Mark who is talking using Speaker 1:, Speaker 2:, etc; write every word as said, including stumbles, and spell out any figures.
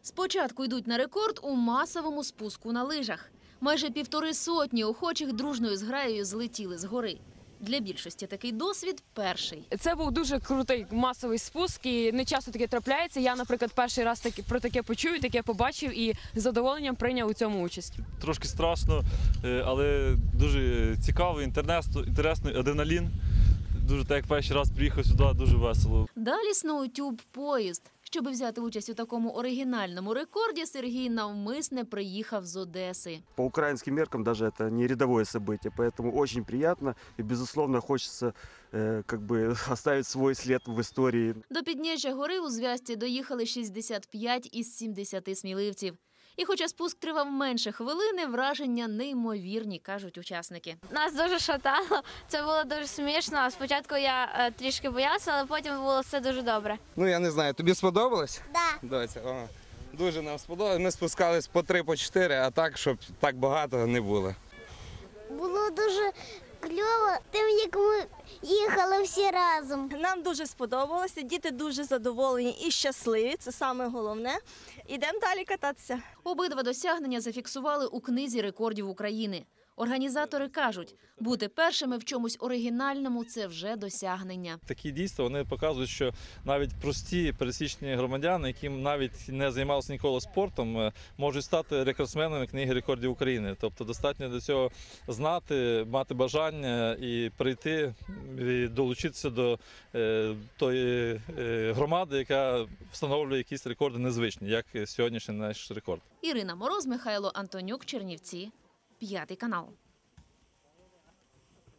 Speaker 1: Спочатку йдуть на рекорд у масовому спуску на лижах. Майже півтори сотні охочих дружною зграєю злетіли з гори. Для більшості такий досвід перший.
Speaker 2: Це був дуже крутий масовий спуск, і не часто таке трапляється. Я, наприклад, перший раз таки, про таке почую, таке побачив і з задоволенням прийняв у цьому участь.
Speaker 3: Трошки страшно, але дуже цікаво, інтересно, адреналін. Дуже так, як перший раз приїхав сюди, дуже весело.
Speaker 1: Далі сноутюб-поїзд. Щоб взяти участь у такому оригінальному рекорді, Сергій навмисне приїхав з Одеси.
Speaker 4: По украинским меркам даже это не рядовое событие, поэтому очень приятно и, безусловно, хочется э, как бы оставить свой след в истории.
Speaker 1: До підніжжя гори у зв'язці доїхали шістдесят п'ять із сімдесяти сміливців. І хоча спуск тривав менше хвилини, враження неймовірні, кажуть учасники.
Speaker 5: Нас дуже шатало, це було дуже смішно. Спочатку я е, трішки боялася, але потім було все дуже добре.
Speaker 6: Ну, я не знаю, тобі сподобалось?
Speaker 5: Так.
Speaker 6: Да. Доця, о, дуже нам сподобалось. Ми спускались по три, по чотири, а так, щоб так багато не було.
Speaker 7: Було дуже кльово, тим, як ми їхали всі разом.
Speaker 8: Нам дуже сподобалося, діти дуже задоволені і щасливі, це саме головне. Ідемо далі кататися.
Speaker 1: Обидва досягнення зафіксували у книзі рекордів України. Організатори кажуть, бути першими в чомусь оригінальному – це вже досягнення.
Speaker 3: Такі дійства вони показують, що навіть прості пересічні громадяни, які навіть не займалися ніколи спортом, можуть стати рекордсменами книги рекордів України. Тобто достатньо до цього знати, мати бажання і прийти, і долучитися до е, тої е, громади, яка встановлює якісь рекорди незвичні, як сьогоднішній наш рекорд.
Speaker 1: Ірина Мороз, Михайло Антонюк, Чернівці. П'ятий канал.